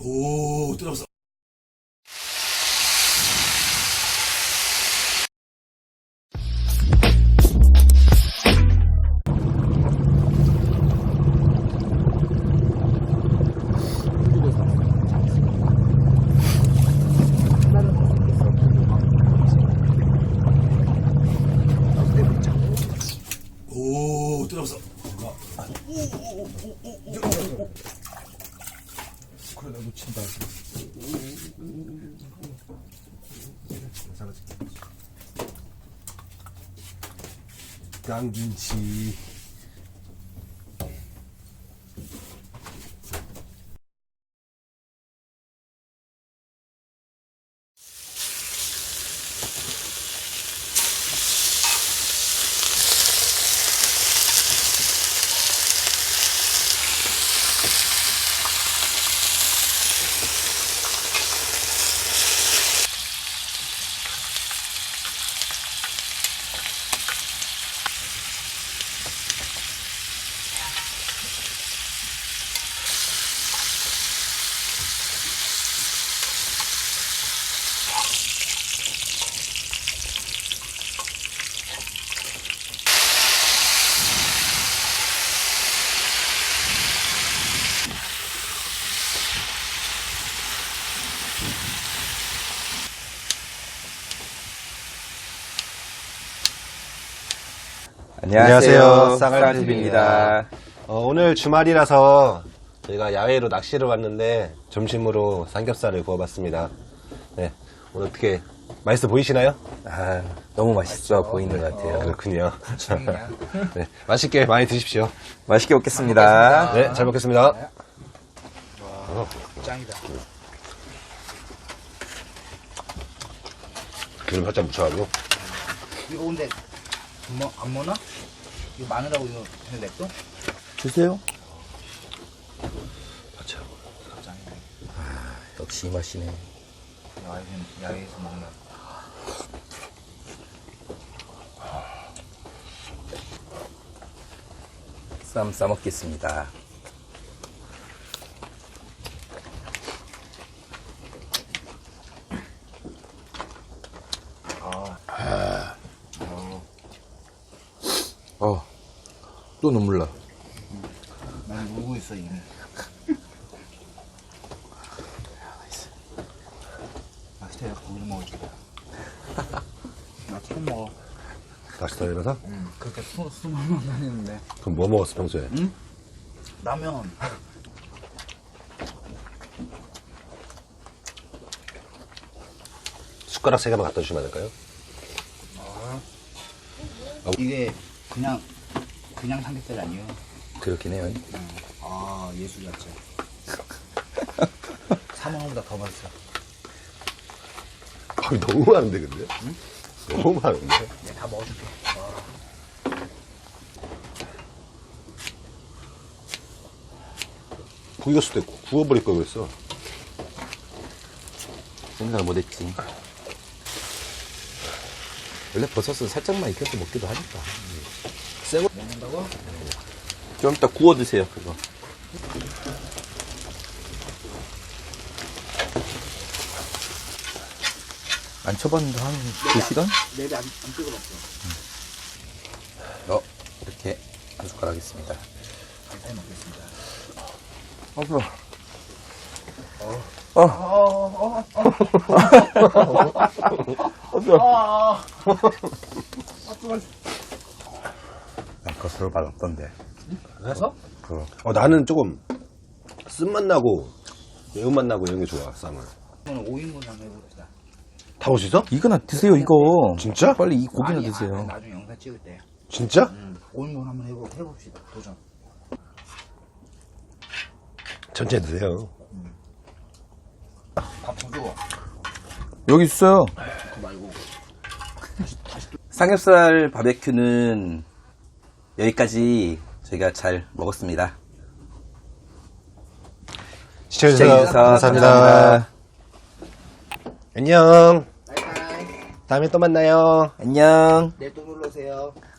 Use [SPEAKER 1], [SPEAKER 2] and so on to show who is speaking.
[SPEAKER 1] 오, 들어갔어. 오, 들어갔어.
[SPEAKER 2] 그래, 나 놓친다.
[SPEAKER 1] 깡김치.
[SPEAKER 3] 안녕하세요.
[SPEAKER 2] 쌍알TV입니다.
[SPEAKER 3] 오늘 주말이라서 저희가 야외로 낚시를 왔는데 점심으로 삼겹살을 구워봤습니다. 네, 오늘 어떻게 맛있어 보이시나요?
[SPEAKER 2] 너무 맛있어 보이는 것 같아요.
[SPEAKER 3] 그렇군요. 네, 맛있게 많이 드십시오.
[SPEAKER 2] 맛있게 먹겠습니다.
[SPEAKER 3] 네, 잘 먹겠습니다.
[SPEAKER 1] 짱이다.
[SPEAKER 3] 기름 살짝 묻혀가지고.
[SPEAKER 1] 이거 근데 안 먹나? 이거 마늘하고 이거 그냥 냅둬?
[SPEAKER 2] 주세요.
[SPEAKER 3] 맞죠.
[SPEAKER 1] 짱이다.
[SPEAKER 2] 역시 이 맛이네.
[SPEAKER 1] 야외에서 먹는.
[SPEAKER 2] 쌈 싸먹겠습니다. 또 눈물 나.
[SPEAKER 1] 난 울고 있어 이미. 맛있다. 야, 고기를 먹어줄게. 나 처음 먹어.
[SPEAKER 3] 낚시터에서?
[SPEAKER 1] 그렇게 수많이 다니는데.
[SPEAKER 3] 그럼 뭐 먹었어 평소에?
[SPEAKER 1] 응? 라면.
[SPEAKER 3] 숟가락 3개만 갖다 주시면 안 될까요?
[SPEAKER 1] 이게 그냥 삼겹살이 아니에요.
[SPEAKER 2] 그렇긴 해요.
[SPEAKER 1] 아, 예술 자체. 사먹는보다 더 맛있어.
[SPEAKER 3] 너무 많은데 근데? 응? 너무 많은데?
[SPEAKER 1] 내가 다 먹어줄게.
[SPEAKER 3] 고기가 수도 구워버릴 걸 그랬어.
[SPEAKER 2] 생각을 못했지. 원래 버섯은 살짝만 익혀서 먹기도 하니까.
[SPEAKER 1] 먹는다고?
[SPEAKER 2] 좀 이따 구워 드세요, 그거. 안 쳐봤는데 한 2시간?
[SPEAKER 1] 내비 안 뜨거웠어.
[SPEAKER 2] 이렇게 한 숟가락 있습니다.
[SPEAKER 1] 감사히 먹겠습니다.
[SPEAKER 2] 난 거스로 발랐던데.
[SPEAKER 1] 그래서?
[SPEAKER 3] 나는 조금 쓴맛 나고 매운맛 나고 이런 게 좋아 쌈은.
[SPEAKER 1] 오늘 5인분 한번 해봅시다.
[SPEAKER 3] 다 올 수 있어?
[SPEAKER 2] 이거나 드세요, 이거.
[SPEAKER 3] 진짜?
[SPEAKER 2] 빨리 이 고기나
[SPEAKER 1] 아니,
[SPEAKER 2] 드세요.
[SPEAKER 1] 나중에 영상 찍을 때.
[SPEAKER 3] 진짜?
[SPEAKER 1] 5인분 한번 해봅시다. 도전.
[SPEAKER 3] 천천히 드세요.
[SPEAKER 1] 밥 줘.
[SPEAKER 2] 여기 있어요.
[SPEAKER 1] 그거 말고.
[SPEAKER 2] 삼겹살 바베큐는 여기까지 저희가 잘 먹었습니다.
[SPEAKER 3] 시청해주셔서 감사합니다.
[SPEAKER 2] 감사합니다.
[SPEAKER 3] 안녕.
[SPEAKER 1] 바이바이.
[SPEAKER 3] 다음에 또 만나요.
[SPEAKER 2] 안녕.
[SPEAKER 1] 내일 또 놀러오세요.